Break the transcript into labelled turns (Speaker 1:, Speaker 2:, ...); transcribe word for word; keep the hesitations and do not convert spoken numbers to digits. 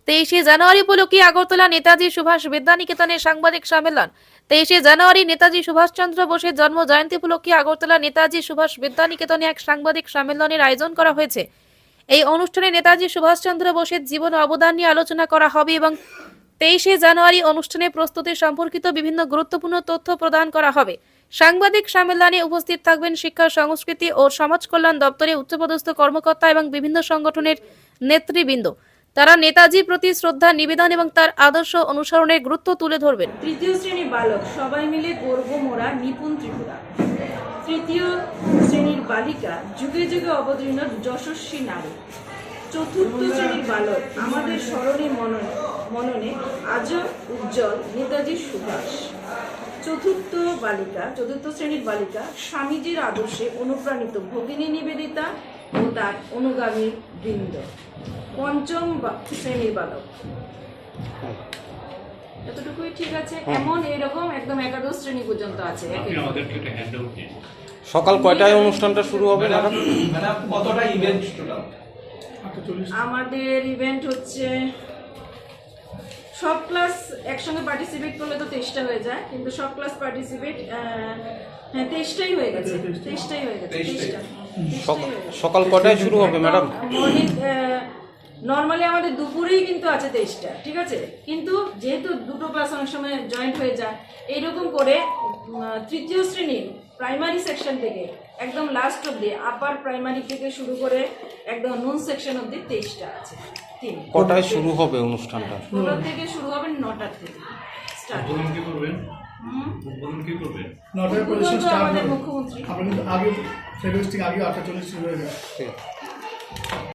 Speaker 1: তেইশে জানুয়ারি উপলক্ষে আগরতলা নেতাজি সুভাষ বিদ্যানিকেতনে সাংবাদিক সম্মেলন। তেইশে জানুয়ারি নেতাজি সুভাষচন্দ্র বোসের জন্ম জয়ন্তী উপলক্ষে আগরতলা নেতাজি সুভাষ বিদ্যানিকেতনে এক সাংবাদিক সম্মেলনের আয়োজন করা হয়েছে। এই অনুষ্ঠানে নেতাজি সুভাষচন্দ্র বোসের জীবন ও অবদান নিয়ে আলোচনা করা হবে এবং তেইশে জানুয়ারি অনুষ্ঠানে প্রস্তুতি সম্পর্কিত বিভিন্ন গুরুত্বপূর্ণ তথ্য প্রদান করা হবে। সাংবাদিক সম্মেলনে উপস্থিত থাকবেন শিক্ষা, সংস্কৃতি ও সমাজ কল্যাণ দপ্তরে উচ্চপদস্থ কর্মকর্তা এবং বিভিন্ন সংগঠনের নেতৃবৃন্দ। তারা নেতাজির প্রতি শ্রদ্ধা নিবেদন এবং তার আদর্শ অনুসরণের গুরুত্ব তুলে ধরবেন।
Speaker 2: তৃতীয় শ্রেণীর বালক সবাই মিলে গর্ব মোরা নিপুণ ত্রিপুরা। তৃতীয় শ্রেণীর বালিকা যুগে যুগে অবতীর্ণ যশস্বী নারী। চতুর্থ শ্রেণীর বালক আমাদের স্মরণে মননে মননে আজও উজ্জ্বল নেতাজি সুভাষ। চতুর্থ বালিকা চতুর্থ শ্রেণীর বালিকা স্বামীজির আদর্শে অনুপ্রাণিত ভগিনী নিবেদিতা ও তার অনুগামী বৃন্দ। পঞ্চম শ্রেণীর বালক এতটুকুই ঠিক আছে। এমন এরকম একদম একাদশ শ্রেণী পর্যন্ত আছে।
Speaker 3: সকাল কয়টায় অনুষ্ঠানটা শুরু হবে ম্যাডাম?
Speaker 4: কতটা ইভেন্ট টোটাল?
Speaker 2: আমাদের ইভেন্ট হচ্ছে সব ক্লাস একসঙ্গে পার্টিসিপেট করলে তো তেইশটা হয়ে যায়, কিন্তু সব ক্লাস পার্টিসিপেট হ্যাঁ তেইশটাই হয়ে গেছে তেইশটাই হয়ে গেছে তেইশটা
Speaker 3: সকাল কয়টায় শুরু হবে ম্যাডাম?
Speaker 2: মর্নিং নর্মালি আমাদের দুপুরেই কিন্তু আছে তেইশটা, ঠিক আছে, কিন্তু যেহেতু দুটো ক্লাস অনেক সময় জয়েন্ট হয়ে যায়, এইরকম করে তৃতীয় শ্রেণীর প্রাইমারি সেকশন থেকে একদম লাস্ট অব্দি আপার প্রাইমারি থেকে শুরু করে একদম নুন সেকশন অব্দি তেইশটা আছে। তিন
Speaker 3: কটায় শুরু হবে অনুষ্ঠানটা?
Speaker 2: ষোলো থেকে শুরু হবে নটার থেকে স্টার্ট।
Speaker 4: নটার পজিশন স্টার্ট
Speaker 2: আমাদের
Speaker 4: হবে।
Speaker 2: মুখ্যমন্ত্রী
Speaker 4: আমরা কিন্তু আগে ফেরোজ থেকে আগে আটটা চল্লিশ শুরু হয়ে যায়।